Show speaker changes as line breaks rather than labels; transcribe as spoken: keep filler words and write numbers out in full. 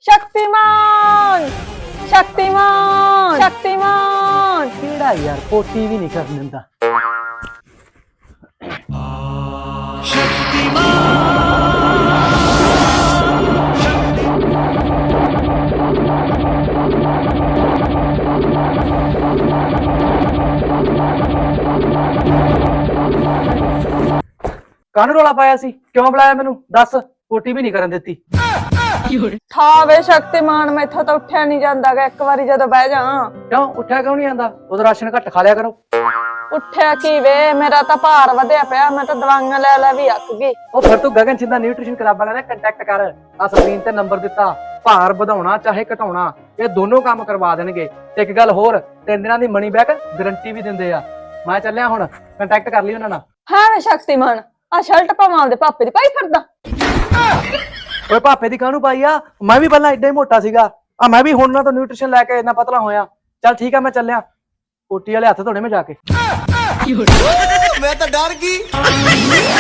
शक्तिमान शक्तिमान शक्तिमान
ਕਿਹੜਾ ਯਾਰ ਪੋਟੀ ਵੀ ਨਹੀਂ ਕਰਨ ਦਿੰਦਾ। ਕਾਹਨੂੰ ਰੌਲਾ ਪਾਇਆ ਸੀ? ਕਿਉਂ ਬੁਲਾਇਆ ਮੈਨੂੰ? ਦੱਸ। ਪੋਟੀ ਵੀ ਨਹੀਂ ਕਰਨ ਦਿੱਤੀ।
था वे शक्तिमान मैथों तो उठा नहीं जाता गा एक बारी जदों बह जा।
ਕਿਉਂ ਉੱਠਿਆ ਕਿਉਂ ਨਹੀਂ ਆਂਦਾ? ਉਦੋਂ ਰਾਸ਼ਨ ਘੱਟ ਖਾ ਲਿਆ ਕਰੋ।
उठिया की वे मेरा तो भार वधिया पिया मैं तो दवाइयां ले ले भी अक गई।
ਉਹ ਫਿਰ ਤੂੰ ਗਗਨ ਸਿੰਧਾ ਨਿਊਟ੍ਰੀਸ਼ਨ ਕਲੱਬ ਵਾਲਿਆਂ ਨਾਲ ਕੰਟੈਕਟ ਕਰ। ਆ ਸਕਰੀਨ ਤੇ ਨੰਬਰ ਦਿੱਤਾ। ਭਾਰ ਵਧਾਉਣਾ ਚਾਹੇ ਘਟਾਉਣਾ ਇਹ ਦੋਨੋਂ ਕੰਮ ਕਰਵਾ ਦੇਣਗੇ। ਤੇ ਇੱਕ ਗੱਲ ਹੋਰ, ਤਿੰਨ ਦਿਨਾਂ ਦੀ ਮਨੀ ਬੈਕ ਗਾਰੰਟੀ ਵੀ ਦਿੰਦੇ ਆ। ਮੈਂ ਚੱਲਿਆ ਹੁਣ, ਕੰਟੈਕਟ ਕਰ ਲਈ ਉਹਨਾਂ ਨਾਲ।
हाँ वे शक्तिमान आ शर्ट पावां आपदे पापे दी पाई फिरदा।
ਓਏ ਭਾਪੇ ਦੀ ਕਾਹਨੂੰ ਪਾਈ ਆ? ਮੈਂ ਵੀ ਪਹਿਲਾਂ ਏਡਾ ਹੀ ਮੋਟਾ ਸੀਗਾ। ਆ ਮੈਂ ਵੀ ਹੁਣ ਨਾ ਤੋਂ ਨਿਊਟ੍ਰੀਸ਼ਨ ਲੈ ਕੇ ਇੰਨਾ ਪਤਲਾ ਹੋਇਆ। ਚੱਲ ਠੀਕ ਆ ਮੈਂ ਚੱਲਿਆ। ਪੋਟੀ ਵਾਲੇ ਹੱਥ ਧੋਣੇ ਮੈਂ ਜਾ ਕੇ।
मैं तो डर गई।